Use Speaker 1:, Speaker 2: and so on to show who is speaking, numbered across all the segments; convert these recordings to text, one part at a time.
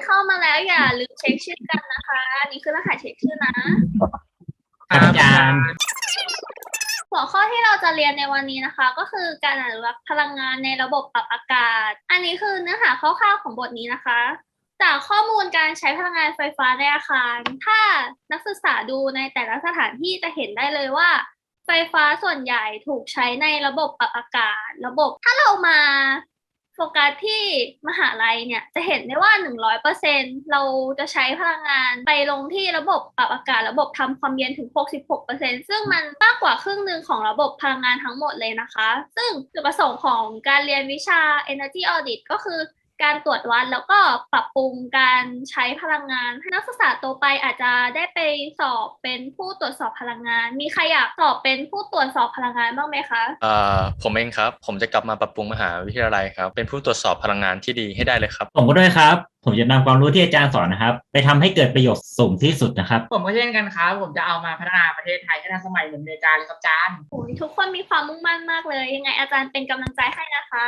Speaker 1: เข้ามาแล้วอย่าลืมเช็คชื่อกันนะคะนี่คือรหัสเช็คชื่อนะ
Speaker 2: ครับอาจารย์
Speaker 1: หัวข้อที่เราจะเรียนในวันนี้นะคะ ก็คือการอนุรักษ์พลังงานในระบบปรับอากาศ อันนี้คือเนื้อหาคร่าวๆของบทนี้นะคะ จากข้อมูลการใช้พลังงานไฟฟ้าในอาคาร ถ้านักศึกษาดูในแต่ละสถานที่จะเห็นได้เลยว่า ไฟฟ้าส่วนใหญ่ถูกใช้ในระบบปรับอากาศถ้าเรามาโฟกัสที่มหาลัยเนี่ยจะเห็นได้ว่า 100% เราจะใช้พลังงานไปลงที่ระบบปรับอากาศระบบทำความเย็นถึง 66% ซึ่งมันมากกว่าครึ่งหนึ่งของระบบพลังงานทั้งหมดเลยนะคะ ซึ่งจุดประสงค์ของการเรียนวิชา Energy Audit ก็คือการตรวจวัดแล้วก็ปรับปรุงการใช้พลังงานให้นักศึกษาโตไปอาจจะได้ไปสอบเป็นผู้ตรวจสอบพลังงาน มีใครอยากสอบเป็นผู้ตรวจสอบพลังงานบ้างไหมคะ
Speaker 3: ผมเองครับผมจะกลับมาปรับปรุงมหาวิทยาลัยครับเป็นผู้ตรวจสอบพลังงานที่ดีให้ได้เลยครับ
Speaker 2: ผมก็ด้วยครับผมจะนำความรู้ที่อาจารย์สอนนะครับไปทำให้เกิดประโยชน์สูงที่สุดนะครับ
Speaker 4: ผมก็เช่นกันครับผมจะเอามาพัฒนาประเทศไทยให้ทันสมัยเหมือนอเมริกาเลยครับอาจารย์
Speaker 1: โอ้ยทุกคนมีความมุ่งมั่นมากเลยยังไงอาจารย์เป็นกำลังใจให้นะคะ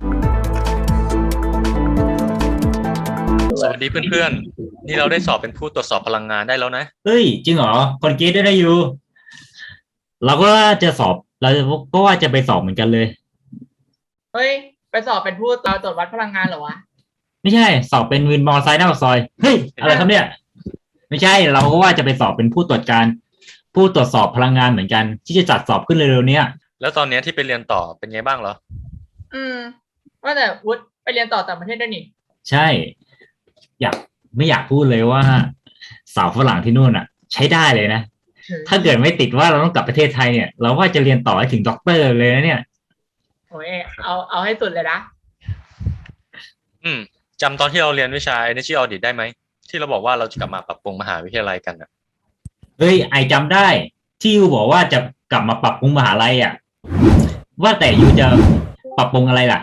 Speaker 3: สวัสดีเพื่อนๆนี่เราได้สอบเป็นผู้ตรวจสอบพลังงานได้แล้วนะ
Speaker 2: เฮ้ยจริงเหรอคนเกรดได้อยู่เราก็จะสอบเราก็ว่าจะไปสอบเหมือนกันเลย
Speaker 4: เฮ้ยไปสอบเป็นผู้ตรวจวัดพลังงานเหรอวะ
Speaker 2: ไม่ใช่สอบเป็นวินมอเตอร์ไซค์หน้าปากซอยเฮ้ยอะไรครับเนี่ยไม่ใช่เราก็ว่าจะไปสอบเป็นผู้ตรวจสอบพลังงานเหมือนกันที่จะจัดสอบขึ้นเร็วๆนี้
Speaker 3: แล้วตอนนี้ที่ไปเรียนต่อเป็นไงบ้างเหรอ
Speaker 4: ว่าแต่วุฒิไปเรียนต่อต่างประเทศด้วยนี่
Speaker 2: ใช่ไม่อยากพูดเลยว่าสาวฝรั่งที่นู่นอ่ะใช้ได้เลยนะถ้าเกิดไม่ติดว่าเราต้องกลับประเทศไทยเนี่ยเราว่าจะเรียนต่อให้ถึงด็อกเตอร์เลยนะเนี่ย
Speaker 4: โอ้ยเอาให้สุดเลยนะ
Speaker 3: จำตอนที่เราเรียนวิชา Energy Audit ได้ไหมที่เราบอกว่าเราจะกลับมาปรับปรุงมหาวิทยาลัยกันอ่ะ
Speaker 2: เฮ้ยไอจำได้ที่ยูบอกว่าจะกลับมาปรับปรุงมหาลัยอ่ะว่าแต่ยูจะปรับปรุงอะไรล่ะ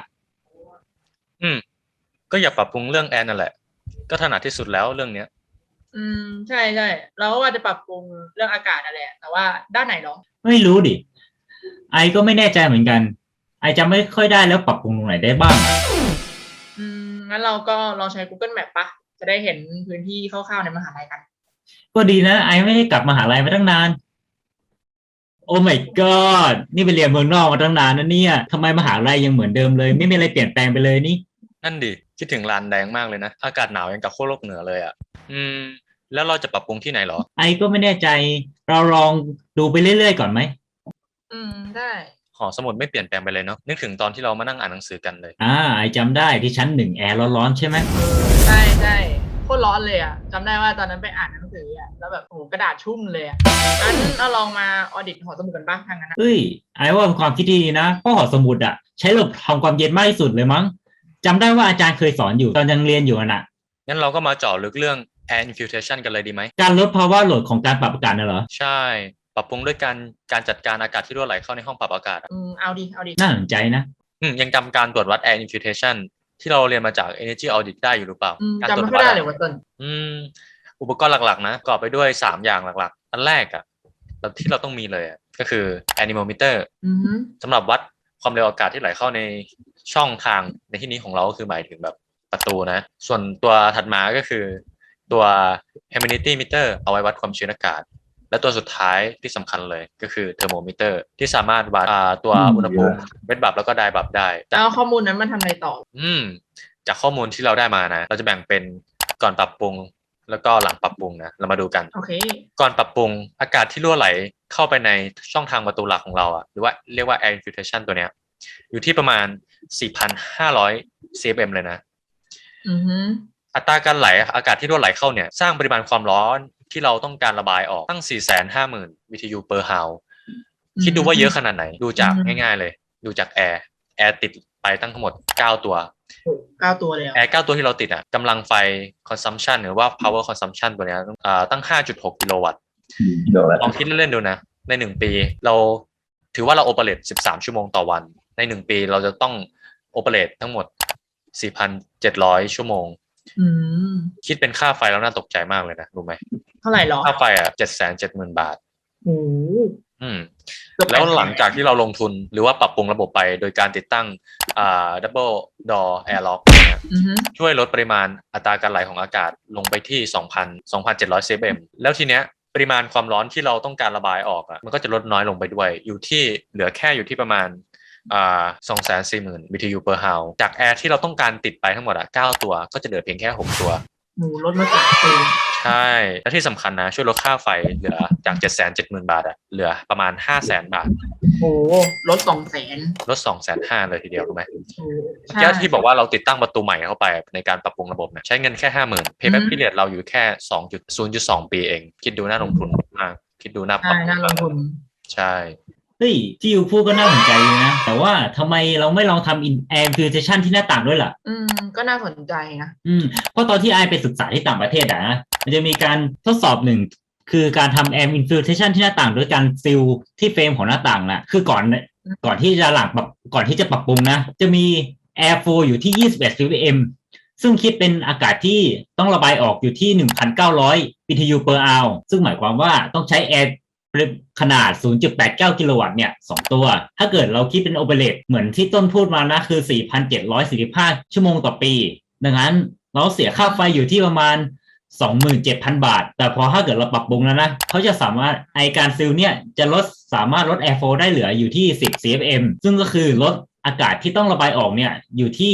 Speaker 3: ก็อยากปรับปรุงเรื่องแอร์นั่นแหละก็ถนัดที่สุดแล้วเรื่องเนี้ย
Speaker 4: ใช่เราก็ว่าจะปรับปรุงเรื่องอากาศนั่นแหละแต่ว่าด้านไหนเนาะ
Speaker 2: ไม่รู้ดิไอก็ไม่แน่ใจเหมือนกันไอจำไม่ค่อยได้แล้วปรับปรุงตรงไหนได้บ้าง
Speaker 4: งั้นเราก็ลองใช้ Google Map ปะจะได้เห็นพื้นที่คร่าวๆในมหาลัยกัน
Speaker 2: ก็ดีนะไอไม่ได้กลับมหาลัยมาตั้งนานโอ้ my god นี่ไปเรียนเมืองนอกมาตั้งนานนะเนี่ยทำไมมหาลัยยังเหมือนเดิมเลยไม่มีอะไรเปลี่ยนแปลงไปเลยนี่
Speaker 3: นั่นดิคิดถึงลานแดงมากเลยนะอากาศหนาวยังกับขั้วโลกเหนือเลยอ่ะแล้วเราจะปรับปรุงที่ไหนหรอ
Speaker 2: ไอก็ไม่แน่ใจเราลองดูไปเรื่อยๆก่อนไหม
Speaker 4: ได้
Speaker 3: หอสมุดไม่เปลี่ยนแปลงไปเลยเนาะนึกถึงตอนที่เรามานั่งอ่านหนังสือกันเลย
Speaker 2: ไอจำได้ที่ชั้น1แอร์ร้อนๆใช่ไหม
Speaker 4: ใช่โคตรร้อนเลยอ่ะจำได้ว่าตอนนั้นไปอ่านหนังสืออ่ะแล้วแบบโอ้โหกระดาษชุ่มเลยอ่ะงั้นเราลองมาออดิตหอสมุดกันบ้างทางนั้น
Speaker 2: เฮ้ยไอว่าเป็นความคิดดีนะเพราะหอสมุดอ่ะใช้ระบบทำความเย็นมากที่สุดเลยมั้งจำได้ว่าอาจารย์เคยสอนอยู่ตอนยังเรียนอยู่น่ะ
Speaker 3: งั้นเราก็มาเจาะลึกเรื่อง air infiltration กันเลยดีไหม
Speaker 2: การลดภาวะโหลดของการปรับอากาศน่ะเหรอ
Speaker 3: ใช่ปรับปรุงด้วยการจัดการอากาศที่รั่วไหลเข้าในห้องปรับอากาศ
Speaker 4: เอาดิ
Speaker 2: น่าสนใจนะ
Speaker 3: ยังจำการตรวจวัด air infiltration ที่เราเรียนมาจาก energy audit ได้อยู่หรือเปล่า
Speaker 4: จำไม่ได้เลยว่าต้น
Speaker 3: อุปกรณ์หลักๆนะประกอบไปด้วย3อย่างหลักๆอันแรกอ่ะที่เราต้องมีเลยก็คือ anemometer สำหรับวัดความเร็วอากาศที่ไหลเข้าในช่องทางในที่นี้ของเราก็คือหมายถึงแบบประตูนะส่วนตัวถัดมาก็คือตัว humidity meter เอาไว้วัดความชื้นอากาศและตัวสุดท้ายที่สำคัญเลยก็คือ thermometer ที่สามารถวัดตัวอุณหภูมิเวทบับแล้วก็ไดบับได้
Speaker 4: แล้วข้อมูลนั้นมันทำอะไรต่อ
Speaker 3: จากข้อมูลที่เราได้มานะเราจะแบ่งเป็นก่อนปรับปรุงแล้วก็หลังปรับปรุงนะเรามาดูกันก่อนปรับปรุงอากาศที่รั่วไหลเข้าไปในช่องทางประตูหลักของเราหรือว่าเรียกว่า air infiltration ตัวเนี้ยอยู่ที่ประมาณ 4,500 cfm เลยนะอัตราการไหลอากาศที่รั่วไหลเข้าเนี่ยสร้างปริมาณความร้อนที่เราต้องการระบายออกตั้ง 450,000 BTU per hour คิดดูว่าเยอะขนาดไหนดูจากง่ายๆเลยดูจากแอร์ติดไปตั้งทั้งหมด9ตัว
Speaker 4: 9 ตัวเลย
Speaker 3: แอร์9ตัวที่เราติดกำลังไฟ consumption หรือว่า power consumption ตัวนี้ตั้ง 5.6 กิโลวัตต์ลองคิดเล่นๆดูนะใน1ปีเราถือว่าเราโอเปเรต13 ชั่วโมงต่อวันใน1ปีเราจะต้องโอเปเรตทั้งหมด 4,700 ชั่วโมงคิดเป็นค่าไฟแล้วน่าตกใจมากเลยนะรู้ไหม
Speaker 4: เท่าไหร่หรอ
Speaker 3: ค่าไฟ770,000 บาทอืมแล้วหลังจากที่เราลงทุนหรือว่าปรับปรุงระบบไปโดยการติดตั้งdouble door air lock เนี่ย
Speaker 4: อือฮึ
Speaker 3: ช่วยลดปริมาณอัตราการไหลของอากาศลงไปที่ 2,700 cfm แล้วทีเนี้ยปริมาณความร้อนที่เราต้องการระบายออกมันก็จะลดน้อยลงไปด้วยอยู่ที่เหลือแค่อยู่ที่ประมาณ240,000 BTU per hour จากแอร์ที่เราต้องการติดไปทั้งหมด9ตัวก็จะเหลือเพียงแค่6ตัว
Speaker 4: หนูลดมา3 ปี
Speaker 3: ใช่และที่สำคัญนะช่วยลดค่าไฟเหลือจาก 770,000 บาทเหลือประมาณ 500,000 บาท
Speaker 4: โอ้ลด200,000
Speaker 3: ลด 250,000 เลยทีเดียวรู้ไหม
Speaker 4: ใช่
Speaker 3: ที่บอกว่าเราติดตั้งประตูใหม่เข้าไปในการปรับปรุงระบบใช้เงินแค่ 50,000 Payback period เราอยู่แค่ 0.2 ปีเองคิดดูน่าลงทุนมากคิดดูน่าปรับ
Speaker 4: น่าลงทุน
Speaker 3: ใช่
Speaker 2: เฮ้ยที่ยูพูดก็น่าสนใจเลยนะ แต่ว่าทำไมเราไม่ลองทำ air filtration ที่หน้าต่างด้วยล่ะ
Speaker 4: ก็น่าสนใจนะ
Speaker 2: เพราะตอนที่ไอไปศึกษาที่ต่างประเทศนะมันจะมีการทดสอบหนึ่งคือการทำ air infiltration ที่หน้าต่างด้วยการซีลที่เฟรมของหน้าต่างน่ะคือก่อนที่จะก่อนที่จะปรับปรุงนะจะมี air flow อยู่ที่21 ppm ซึ่งคิดเป็นอากาศที่ต้องระบายออกอยู่ที่ 1,900 BTU per hour ซึ่งหมายความว่าต้องใช้ airขนาด 0.89 กิโลวัตต์เนี่ย2ตัวถ้าเกิดเราคิดเป็นโอเปเรตเหมือนที่ต้นพูดมานะคือ 4,745 ชั่วโมงต่อปีดังนั้นเราเสียค่าไฟอยู่ที่ประมาณ 27,000 บาทแต่พอถ้าเกิดเราปรับปรุงแล้วนะเขาจะสามารถการซีลเนี่ยจะสามารถลด air flow ได้เหลืออยู่ที่10 cfm ซึ่งก็คือลดอากาศที่ต้องระบายออกเนี่ยอยู่ที่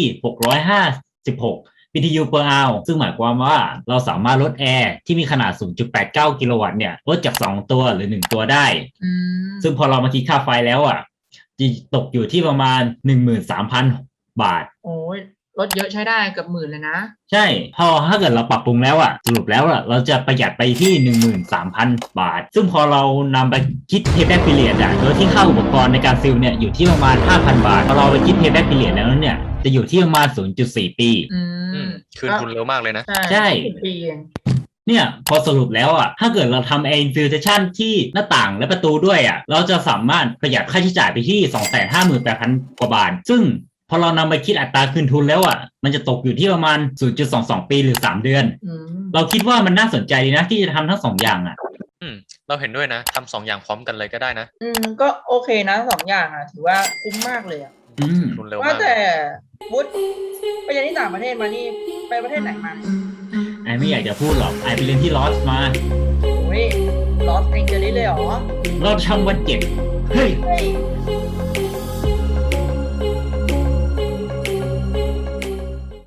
Speaker 2: 656 BTU per hour ซึ่งหมายความว่าเราสามารถลดแอร์ที่มีขนาด 0.89 กิโลวัตต์เนี่ยลดจาก2ตัวหรือ1ตัวได้ซึ่งพอเรามาคิดค่าไฟแล้วจะตกอยู่ที่ประมาณ 13,000 บาท
Speaker 4: โอ้ยลดเยอะใช้ได้เกือบ10,000เลยนะ
Speaker 2: ใช่พอถ้าเกิดเราปรับปรุงแล้วสรุปแล้วเราจะประหยัดไปที่ 13,000 บาทซึ่งพอเรานำไปคิด payback period โดยที่ค่าอุปกรณ์ในการซีลเนี่ยอยู่ที่ประมาณ 5,000 บาทพอเราไปคิด payback period แล้วเนี่ยจะอยู่ที่ประมาณ 0.4 ปี
Speaker 3: คืนทุนเร็วมากเลยนะ
Speaker 2: ใช่ปีเองเนี่ยพอสรุปแล้วถ้าเกิดเราทำ air infiltration ที่หน้าต่างและประตูด้วยเราจะสามารถประหยัดค่าใช้จ่ายไปที่ 258,000 กว่าบาทซึ่งพอเรานำไปคิดอัตราคืนทุนแล้วมันจะตกอยู่ที่ประมาณ 0.22 ปีหรือ3เดือนเราคิดว่ามันน่าสนใจดีนะที่จะทำทั้ง2อย่าง
Speaker 3: เราเห็นด้วยนะทำ2อย่างพร้อมกันเลยก็ได้นะ
Speaker 4: ก็โอเคนะ2อย่างถือว่าคุ้มมากเลย
Speaker 3: ทุนเร็วมาก
Speaker 4: ว่าแต่วุฒิไปเรียนที่ต่างประเทศมานี่ไปประเทศไหนมา
Speaker 2: ไอไม่อยากจะพูดหรอกไอไปเรียนที่ลอสมา
Speaker 4: โอ้ยลอสแองเจลิสเลยเหรอ
Speaker 2: รอบช่องวัน7เฮ้ย